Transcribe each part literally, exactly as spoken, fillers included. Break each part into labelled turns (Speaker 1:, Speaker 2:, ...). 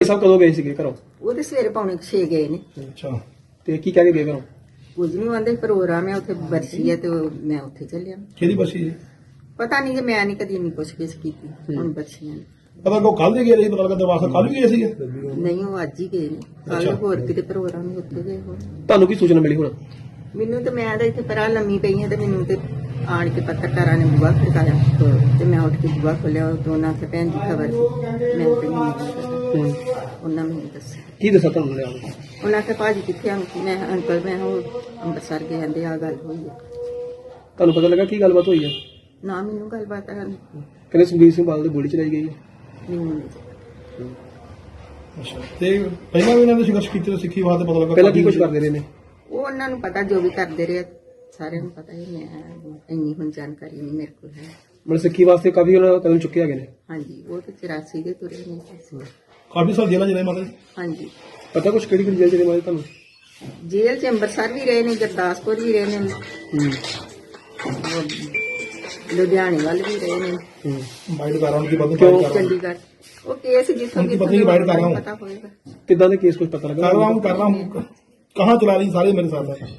Speaker 1: ਸਾਹਿਬ ਕਦੋਂ ਗਏ ਸੀਗੇ ਘਰੋਂ?
Speaker 2: ਉਹ ਤੇ ਸਵੇਰੇ ਪੌਣੇ ਛੇ ਗਏ ਨੇ।
Speaker 1: ਅੱਛਾ, ਤੇ ਕੀ ਕਹਿ ਕੇ ਗਏ ਘਰੋਂ?
Speaker 2: ਕੁਝ ਨਹੀਂ ਆਂਦੇ, ਪ੍ਰੋਗਰਾਮ ਹੈ ਉੱਥੇ ਬਰਸੀ ਹੈ ਤੇ ਉਹ- ਮੈਂ ਉੱਥੇ ਚੱਲਿਆ।
Speaker 3: ਕਿਹਦੀ ਬਸੀ ਜੀ?
Speaker 2: ਪਤਾ ਨਹੀਂ ਕਿ ਮੈਂ ਨਹੀਂ ਕਦੀ ਨਹੀਂ ਪੁੱਛ ਗਿੱਛ ਕੀਤੀ ਹੁਣ ਬੱਚੀਆਂ ਨੇ।
Speaker 3: ਪਤਾ ਕੋ ਕੱਲ ਦੇ ਗਏ ਰਹੀ, ਪਤਾ ਲੱਗਾ ਦਰਵਾਜ਼ਾ ਕੱਲ ਵੀ ਗਏ ਸੀਗੇ।
Speaker 2: ਨਹੀਂ, ਉਹ ਅੱਜ ਹੀ ਗਏ ਨੇ। ਕੱਲ ਹੋਰ ਕਿਤੇ ਪ੍ਰੋਗਰਾਮ ਹੀ ਉੱਥੇ ਗਏ ਹੋਣ।
Speaker 1: ਤੁਹਾਨੂੰ ਕੀ ਸੂਚਨਾ ਮਿਲੀ ਹੁਣ?
Speaker 2: ਮੈਨੂੰ ਤੇ ਮੈਂ ਤਾਂ ਇੱਥੇ ਪਰਾਂ ਲੰਮੀ ਪਈ ਹਾਂ ਤੇ ਮੈਨੂੰ ਤੇ ਆਣ ਕੇ ਪੱਤਰਕਾਰਾਂ ਨੇ ਬੁਆ ਖੜਕਾਇਆ ਤੇ ਮੈਂ ਉੱਠ ਕੇ ਬੁਆ ਖੋਲਿਆ। ਦੋਨਾਂ ਤੇ ਭੈਣ ਦੀ ਖਬਰ ਸੀ, ਮੈਂ ਤੇ ਨਹੀਂ ਪਤਾ। ਉਹਨਾਂ ਮੈਨੂੰ ਦੱਸਿਆ।
Speaker 1: ਕੀ ਦੱਸਾਂ ਤੁਹਾਨੂੰ ਲਿਆ?
Speaker 2: ਉਹਨਾਂ ਕੇ ਭਾਜੀ ਕਿੱਥੇ ਆਂ? ਮੈਂ ਅੰਕਲ ਮੈਂ ਉਹ ਅੰਮ੍ਰਿਤਸਰ ਗਏ ਕਹਿੰਦੇ ਆ ਗੱਲ ਹੋਈ ਹੈ।
Speaker 1: ਤੁਹਾਨੂੰ ਪਤਾ ਲੱਗਾ ਕੀ ਗੱਲਬਾਤ ਹੋਈ ਹੈ?
Speaker 2: ਨਾ ਮੈਨੂੰ ਗੱਲਬਾਤ ਕਰਨ
Speaker 1: ਕਹਿੰਦੇ ਸੁਖਬੀਰ ਸਿੰਘ ਬਾਦਲ ਦੀ ਗੋਲੀ ਚਲਾਈ ਗਈ ਹੈ।
Speaker 2: ਮੈਨੂੰ ਨਹੀਂ।
Speaker 3: ਅੱਛਾ, ਤੇ ਪਹਿਲਾਂ ਵੀ ਇਹਨਾਂ ਨੇ ਸੰਘਰਸ਼ ਕੀਤੇ ਤਾਂ ਸਿੱਖੀ ਵਾਸਤੇ ਪਤਾ ਲੱਗਾ
Speaker 1: ਪਹਿਲਾਂ ਕੀ ਕੁਝ ਕਰਦੇ ਰਹੇ ਨੇ?
Speaker 2: ਉਹ ਉਹਨਾਂ ਨੂੰ ਪਤਾ ਜੋ ਵੀ ਕਰਦੇ ਰਹੇ ਸਾਰਿਆਂ ਨੂੰ ਪਤਾ ਹੀ। ਮੈਂ ਇੰਨੀ ਹੁਣ ਜਾਣਕਾਰੀ ਨਹੀਂ ਮੇਰੇ ਕੋਲ ਹੈ।
Speaker 1: ਮਤਲਬ ਸਿੱਖੀ ਵਾਸਤੇ ਕਾਫੀ ਉਹਨਾਂ ਕਦਮ ਚੁੱਕੇ ਹੈਗੇ ਨੇ।
Speaker 2: ਹਾਂਜੀ, ਉਹ ਤੇ ਚੁਰਾਸੀ ਦੇ ਤੁਰੇ ਨੇ।
Speaker 3: ਕਾਫੀ ਸਾਲ ਜੇਲ੍ਹਾਂ ਜਿਹੜੇ ਮਾਤਾ ਜੀ।
Speaker 2: ਹਾਂਜੀ,
Speaker 1: ਪਤਾ ਕੁਛ ਕਿਹੜੀ ਕਿਹੜੀ ਜੇਲ੍ਹ ਚ ਨੇ ਮਾਰੇ ਤੁਹਾਨੂੰ?
Speaker 2: ਜੇਲ੍ਹ ਚ ਅੰਮ੍ਰਿਤਸਰ ਵੀ ਰਹੇ ਨੇ, ਗੁਰਦਾਸਪੁਰ ਵੀ ਰਹੇ ਨੇ,
Speaker 1: ਹੂੰ
Speaker 2: ਉਹ ਲੁਧਿਆਣੇ ਵੱਲ ਵੀ ਰਹੇ ਨੇ,
Speaker 1: ਹੂੰ
Speaker 3: ਬਾਈਟ ਕਰ ਰਹਾ ਹੂੰ ਕਿ ਬੰਦ
Speaker 1: ਕਿਉਂ?
Speaker 3: ਕਰ
Speaker 2: ਚੰਡੀਗੜ੍ਹ। ਉਹ ਕੇਸ ਜਿੱਥੋਂ
Speaker 3: उनकी पत्नी की बाइट कर रहा हूँ।
Speaker 2: पता होएगा।
Speaker 1: ਕਿੱਦਾਂ ਦੇ ਕੇਸ ਕੁਝ ਪਤਾ ਲੱਗਾ?
Speaker 3: रहा हूँ कर रहा हूँ कहाँ चला रही सारे मेरे साथ है।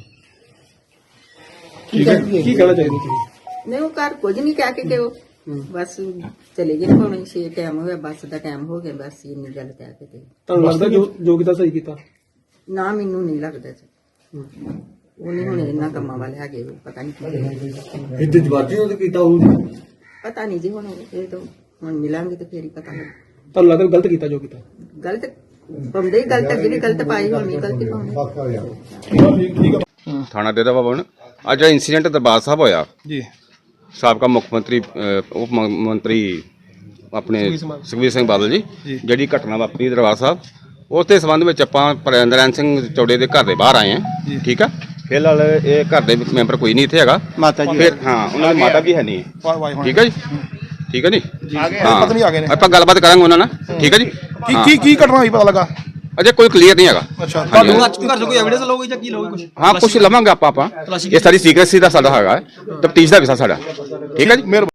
Speaker 1: ਕੀ ਕਹਿ- ਕੀ ਕਹਿਣਾ ਚਾਹੀਦਾ ਤੁਸੀਂ?
Speaker 2: ਨਹੀਂ, ਉਹ ਘਰ ਕੁਝ ਨਹੀਂ ਕਹਿ ਕੇ ਗਏ। ਉਹ ਬਸ ਚਲੇ ਗਏ। ਪੌਣੇ ਛੇ ਟਾਈਮ ਹੋ ਗਿਆ, ਬੱਸ ਦਾ ਟਾਈਮ ਹੋ ਗਿਆ, ਬਸ ਇੰਨੀ ਗੱਲ ਕਹਿ ਕੇ ਤੇ।
Speaker 1: ਤੁਹਾਨੂੰ ਲੱਗਦਾ ਜੋ ਜੋ ਕੀਤਾ ਸਹੀ ਕੀਤਾ?
Speaker 2: ਨਾ, ਮੈਨੂੰ ਨਹੀਂ ਲੱਗਦਾ ਜੀ। ਉਹ ਨਹੀਂ ਹੁਣ ਇਹਨਾਂ ਕੰਮਾਂ ਵਾਲੇ ਹੈਗੇ। ਉਹ ਪਤਾ ਨਹੀਂ ਕੀ
Speaker 4: ਇੱਥੇ ਜਵਾਜੀ ਉਹਦੇ ਕੀਤਾ ਉਹ
Speaker 2: ਪਤਾ ਨਹੀਂ ਜੀ। ਹੁਣ ਇਹ ਤਾਂ ਹੁਣ ਮਿਲਾਂਗੇ ਤੇ ਫੇਰ ਹੀ ਪਤਾ ਲੱਗ।
Speaker 1: ਤੁਹਾਨੂੰ ਲੱਗਦਾ ਗਲਤ ਕੀਤਾ ਜੋ ਕੀਤਾ?
Speaker 2: ਗਲਤ ਪਾਉਂਦੇ ਹੀ ਗਲਤ, ਅੱਗੇ ਵੀ ਗਲਤ ਪਾਈ ਹੋਣੀ, ਗਲਤੀ ਪਾਉਂਦੇ।
Speaker 3: ठीक है।
Speaker 5: ਥਾਣਾ ਡੇਰਾ ਬਾਬਾ ਬਣ ਅੱਜ ਜਿਹੜਾ ਇਨਸੀਡੈਂਟ ਦਰਬਾਰ ਸਾਹਿਬ ਹੋਇਆ
Speaker 3: जी
Speaker 5: ਸਾਬਕਾ ਮੁੱਖ ਮੰਤਰੀ ਅਹ, ਉਪ ਮ- ਮੰਤਰੀ ਆਪਣੇ ਸੁਖਬੀਰ ਸਿੰਘ ਬਾਦਲ ਜੀ ਜਿਹੜੀ ਘਟਨਾ ਵਾਪਰੀ ਦਰਬਾਰ ਸਾਹਿਬ, ਉਸ ਦੇ ਸੰਬੰਧ ਵਿੱਚ ਆਪਾਂ ਪ੍ਰਿੰਦਰਨ ਸਿੰਘ ਚੌੜੇ ਦੇ ਘਰ ਦੇ ਬਾਹਰ ਆਏ ਹਾਂ। ਠੀਕ ਆ, ਫਿਲਹਾਲ ਇਹ ਘਰ ਦੇ ਵਿੱਚ ਮੈਂਬਰ ਕੋਈ ਨਹੀਂ ਇੱਥੇ ਹੈਗਾ।
Speaker 3: माता जी
Speaker 5: ਫਿਰ ਹਾਂ, ਉਹਨਾਂ ਦੀ ਮਾਤਾ ਵੀ ਹੈ ਨਹੀਂ। ਠੀਕ ਹੈ ਜੀ, ਠੀਕ ਹੈ ਜੀ। ਹਾਂ,
Speaker 3: पत्नी आ गए ने।
Speaker 5: ਆਪਾਂ ਗੱਲਬਾਤ ਕਰਾਂਗੇ ਉਹਨਾਂ ਨਾਲ। ਠੀਕ ਹੈ ਜੀ।
Speaker 3: की की की घटना हुई पता लगा?
Speaker 5: ਅਜੇ ਕੋਈ ਕਲੀਅਰ ਨਹੀਂ ਹੈਗਾ।
Speaker 3: अच्छा,
Speaker 5: ਹਾਂਜੀ।
Speaker 4: ਘਰ ਤੋਂ ਕੋਈ ਐਵੀਡੈਂਸ ਲਓਗੇ ਜਾਂ ਕੀ ਲਓਗੇ ਕੁਝ?
Speaker 5: ਹਾਂ, ਕੁਝ ਲਵਾਂਗੇ ਆਪਾਂ ਆਪਾਂ ਇਹ ਸਾਰੀ ਸੀਕ੍ਰੇਸੀ ਦਾ ਸਾਡਾ ਹੈਗਾ, ਤਫਤੀਸ਼ ਦਾ ਵਿਸ਼ਾ ਸਾਡਾ। ਠੀਕ ਹੈ ਜੀ।
Speaker 3: मेहरबानी।